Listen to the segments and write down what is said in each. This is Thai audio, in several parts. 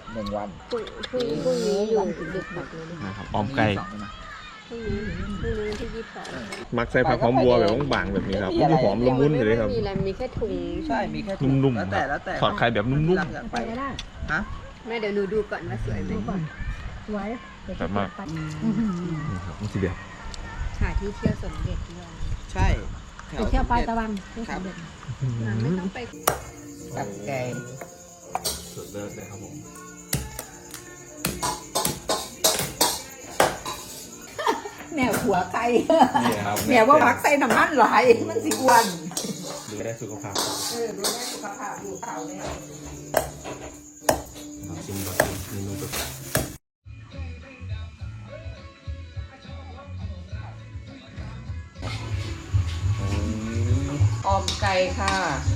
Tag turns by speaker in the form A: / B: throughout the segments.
A: 1 วัน
B: พรุ่งนี้อยู่ดึกหมดเลย
C: นะครับออมไก่
B: พรุ่งนี้วันที่22
C: มักใส่ผักหอมบัวแบบบางๆแบบนี้ครับมันจะหอมละมุนเลยครับ
B: มีอะไรมีแค่ถุง
A: ใช่มีแค่ถุง
C: นุ่มๆ
A: แล้วแต่
C: ทอดไข่แบบนุ่ม
A: รักอยากไปฮะ
B: แม่เดี๋ยวหนูดูก่อนว่าสวยไหม
D: สวย
C: ๆแบบมากนี่ครับมันสีเดียว
B: หาที่เที่ยวสมเด็จด้วย
A: ใช่แถ
D: ไปเที่ยวปลายตะวัน
A: ครับ
B: ไม่ต้องไป
A: กับแกง
C: สุดเลิศเลยครับผม
D: แนวหัวไก่
C: นี่ครับ
D: แนวว่าพักใส่น้ำมันหลายมันสิอ้วน
C: ดูได้สุขภาพ
D: ดูแลสุขภาพดูเขาเนี่ย
C: ลองชิมก่อนเมนูแบบ
D: ออมไก่ค่ะ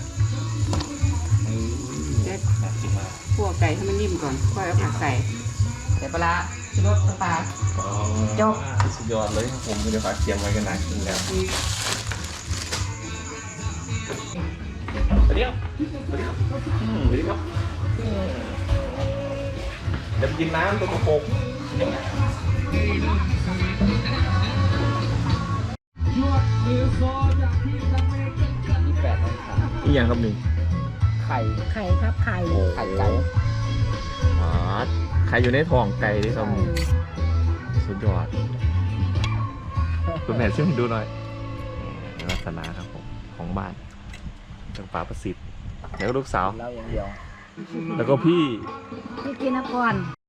C: น่ากินมาก
D: คั่วไก่ให้มันนิ่มก่อนค่อยเอาผักใส่ใส่ปลาชูรสน้ำปลา จบ
C: สุดยอดเลยครับผมเดี๋ยวฝากเคียงไว้กันนะกินแล้วสวัสดีครับสวัสดีครับสวัสดีครับเดี๋ยวไปกินน้ำตัวกระโปง
A: 28 องศา
C: อีกอย่างครับหนึ่ง
A: ไข่
D: ไข่ครับไข่
A: ไข่ไก่
C: อ๋อใครอยู่ในท้องไก่ดิครับสุดยอดคุณแม่ช่วยดูหน่อยลักษณะครับผมของบ้านจังป่าประสิทธิ์แล้วก็ลูกสาว
A: เหล้าอย่างเดียว
C: แล้วก็พี่
D: พี่กินนะก่อน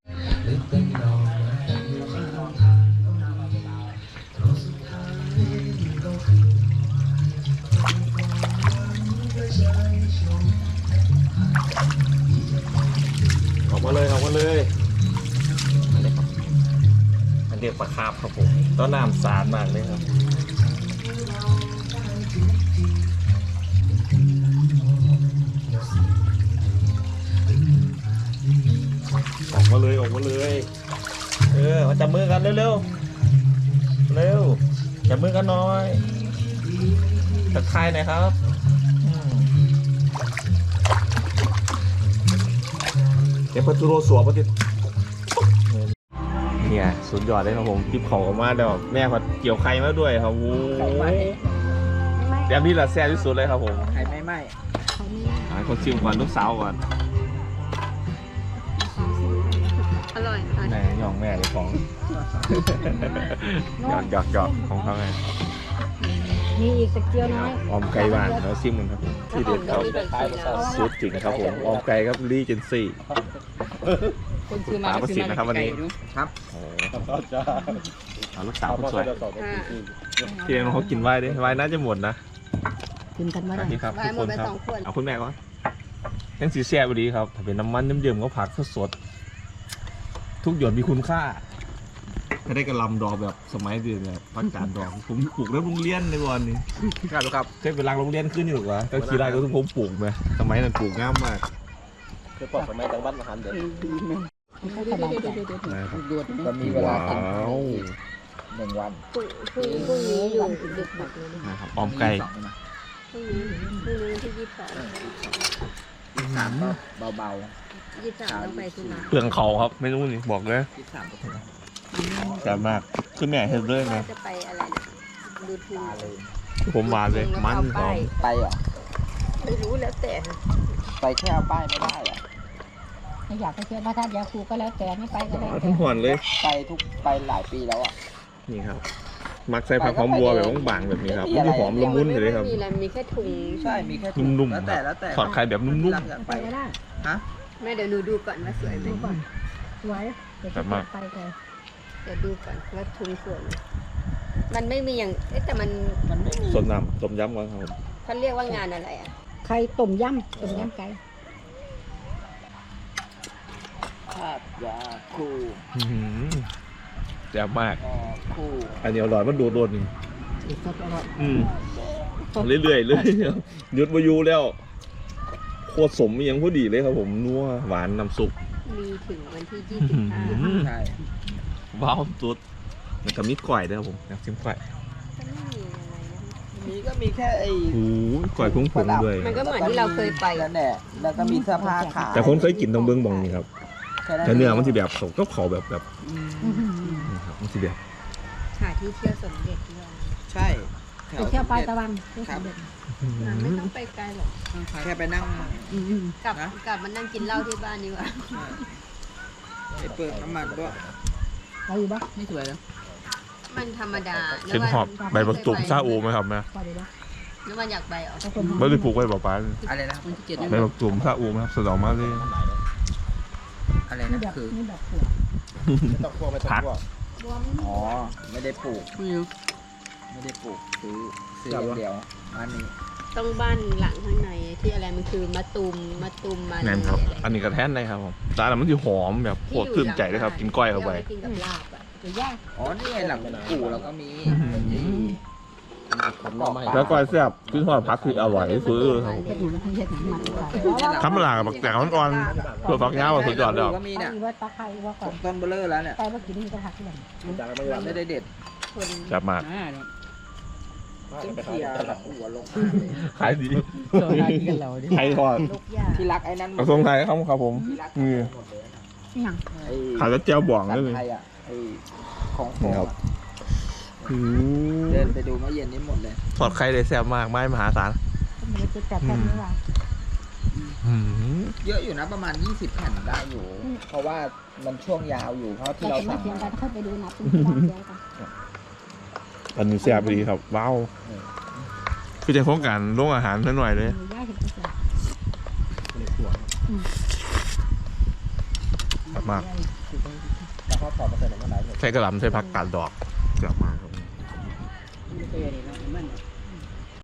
C: ออกมาเลยออกมาเลยอันเดียวปลาคาบครับผมต้นน้ำสารมากเลยครับออกมาเลยออกมาเลยมาจับมือกันเร็วๆเร็วจับมือกันหน่อยทักทายหน่อยครับเดี๋ยวพัทโรสวมมาติดเนี่ยสุดยอดเลยครับผมทิปเขาออกมาเดี๋ยวแม่เขาเกี่ยวไข่มาด้วยครับโอ้
A: ไข่ไหม้
C: แบบนี้แหละแซ่บที่สุดเลยครับผม
A: ไข่ไม่ไหม้
C: ให้คนชิมก่อนลูกสาวก่อน
B: อร่อย
C: แม่ย่องแม่เลยของหยอกของเขาไง
D: มีอีกตะเกียวน้อย
C: ออมไก่บ้านแล้วชิมกันครับผมที่เด็ดครับ สุดจริงครับผมออมไก่ครับรีเจนซี่
D: คนซื้อมา
C: ปลาประสิทธิ์นะครับวันนี้
A: ครับ
C: โอ้เอาลูกสาวคนสวยพี่เอ็มเขากินไว้ดิไว้น่าจะหมดนะ
D: กินกันมา
C: ส
D: ได้
C: วัสดีครับ
B: ไว้
C: ทุก
B: หม
C: ค
B: ด
C: น
B: ไป
C: ครับ
B: 2 ขวด
C: เอาคุณแม่ก่อนยังสีแซ่บดีครับถ้าเป็นน้ำมันเยิ้มๆก็ผักสดๆทุกหยดมีคุณค่าถ้าได้กระลำดอกแบบสมัยเดือนแบบพักการดอกผมปลูกแล้วโรงเรียนในวันนี้
A: ครับ
C: เคยเป็นรังโรงเรียนขึ้นอยู่หรอก็ขี่ได้ก็ต้องผมปลูกไหมสมัยนั้นปลูกง่ามมาก
A: คือปลดสมัยจังหวัดมหาเดือ
C: นะครับ
A: ก็มีเวลา
C: ว้า
A: กิน
C: ว
A: 1 วัน
B: พรุ่งนี้อยู่ดึกหมดเลย
C: นะครับออมไก่
B: พรุ่งนี้วันที่
A: 23ก็เบา
B: 23ต้องไปธุระ
C: เปลืองเขาครับไม่รู้นี่บอกเลย
A: ๆ23ก็
C: แต่มากคือแม่เห็นเลยนะ
B: จะไปอะไรนะดูทู
A: ปลาเลย
C: ผมมาเลยมันหอม
A: ไปเหรอ
B: ไม่รู้แล้วแต่
A: ไปแค่เอาป้ายไม่ได้เหรอ
D: ถ้าอยากไปเที่ยวพระธาตุยาคูก็แล้วแต่ไม่ไปก็ได้
C: ทั้งหอนเลย
A: ไปหลายปีแล้วอ่ะ
C: นี่ครับ มักใส่ผักหอมบัวแบบบางๆแบบนี้ครับมันจะหอมละมุนเลยครับ
B: มีอะไรมีแค่ถุง
A: ใช่มีแค่ถุง
C: นุ่ม
A: แล้ว
C: ๆค
A: แต่
C: รับ
A: แล้วแต่
C: ทอดไข่แบบนุ่ม
A: รักอยาก
D: ไป
A: ไป
D: ก็ได้
A: ฮะ
B: แม่เดี๋ยวหนูดูก่อนว่าสวยไหม
D: ดูก่อนสวยเดี๋ยวจะไปเลย
B: เดี๋ยวดูก่อนว่าถุงสวยไหมมันไม่มีอย่างแต่มัน
A: ไม่มี
C: ๆสดน้ำต้มยำก่อนครับผม
B: เขาเรียกว่างานอะไรอ่ะ
D: ไข่ต้มยำไก่
A: ภาพยาคู
C: อื้อหือแซ่บมาก
A: คู
C: อันนี้อร่อยมันโดดโดน
D: สดอร่อย
C: เรื่อยๆเลยหยุดมาอยู่แล้วโคตรสมยังพอดีเลยครับผมนัวหวานน้ำซุป
B: มีถึงวันที่
A: ใช่
C: ว้าวสุดแล้วก็มีก๋วยด้วยครับผมอยากชิมก๋วย
B: 25ก็ไม่มีอะไรนะ
A: มีก็มีแค่ไอ้
C: โอ้โหก๋วยพุ่งผงด้วย
B: มันก็เหมือนที่เราเคยไป
A: แล้วแหละแล้วก็มีเสื้อผ้าขาย
C: แต่คนเคยกินตรงเบื้องบองนี่ครับ
A: แค่นั้น
C: แต่เนื้อมันจะแบบเขาก็ขอแบบ
B: อื้อหือ
C: นี่ครับมันจะแบบ
B: หาที่เที่ยวสมเด็จด้วย
A: ใช่แถ
B: ไปเที่ยวปลายตะวันเที่ยวสมเด็จมันไม่ต้องไปไกลหรอก
A: แค่ไปนั่ง
B: กลับ
A: นะ
B: กลับมานั่งกินเหล้าที่บ้านดีกว่า
A: ไปเปิดน้ำมันด้วย
B: ไปอยู่ปะ
D: ไม่สวยแล้ว
B: มันธรรมดา
C: เช่นหอบใบบักตุ่มซาอูไหมครับแม่
B: ไปดีปะแล้วมันอยากไปเหรอ
C: ไม่ได้ปลูกไว้ป่า
A: อะไรนะ
D: วันที่7นี่
C: ใบบักตุ่มซาอูไหมครับสะดอกมาเลย
A: อะไรนะคือ
C: ผัก
A: อ๋อไม่ได้ปลูก
D: ไม่รู้
A: ไม่ได้ปลูกซื้ออย่างเดียวอันนี้
B: ต้องบ้านหลังข้างในที่อะไรมันคือมะตูมมา
C: แน่นครับ อันนี้กระแทนได้ครับผมแต่อันนั้นมันจะหอมแบบโคตรชื่นใจเลยครับ กินก้อยเข้าไป
B: กินกับลาบอ่ะหรือย่าง
A: อ๋อนี่ไงหลังปู่เราก็มีผมลอง
C: แล้วก้อยแซ่บขึ้นทอดผักคืออร่อยที่สุดเลยครับ
B: เฮ็ดอยู่เฮ็ดหนังมัน
C: ธรรมดากับบักแตกอ่อนๆเพื่อฟักยาวสุดยอดแล้ว
A: ก็มีเนี่ย
B: ว่าตะไคร้ว่าก่อน
A: ต้นเบลเลอร์แล้วเนี่ย
B: แต่ว่ากินนี่ก็ผักที่ไหน
A: ไม่ได้เด็ด
B: คน
C: แซ่บมาก
A: ต้องเคลียร์แบบหัวลง
C: ขายดี
D: เราได้กินกันเราดิ
C: ไทยทอด
B: ลูกยา
A: ที่รักไอ้นั่น
C: กระทรวงไทยครับผม
A: ที่รัก
C: นี่
A: หมดเลยนะ
B: อย่าง
A: ไอ้
C: ขายแล้วเจียวบ่อง
A: สั
C: ได้
A: ต
C: เลย
A: ว์ไทยอ่ะไอ้ของโข
C: นี่
A: ง
C: ครับ
A: อะเดินไปดูเมื่อเย็นนี้หมดเลย
C: ทอดไข่ได้แซ่บมากไม้มหาศาล
B: มันจะจัดแค่นี้ว่า
A: เยอะอยู่นะประมาณ 20 แผ่นได้อยู่ เพราะว่ามันช่วงยาวอยู่เพราะที่เรา
B: ไม่
A: สั่ง
B: เทียงกัน
A: มา
B: ค่อยไปดูนับเป็นวันเดียวกัน
C: อันนี้แซ่บดีครับว้าวคือจะโครงการโรงอาหารนิดหน่อยเลย
B: ย่าเห็นก็จะ
C: แบบมาก
A: แล้วก็ถอดมาใส่ในกระดาษ
C: ใช้กระหล่ำใช้ผักกาดดอกแซ่บมากครับ
D: ไม่เคยเห็นนะมัน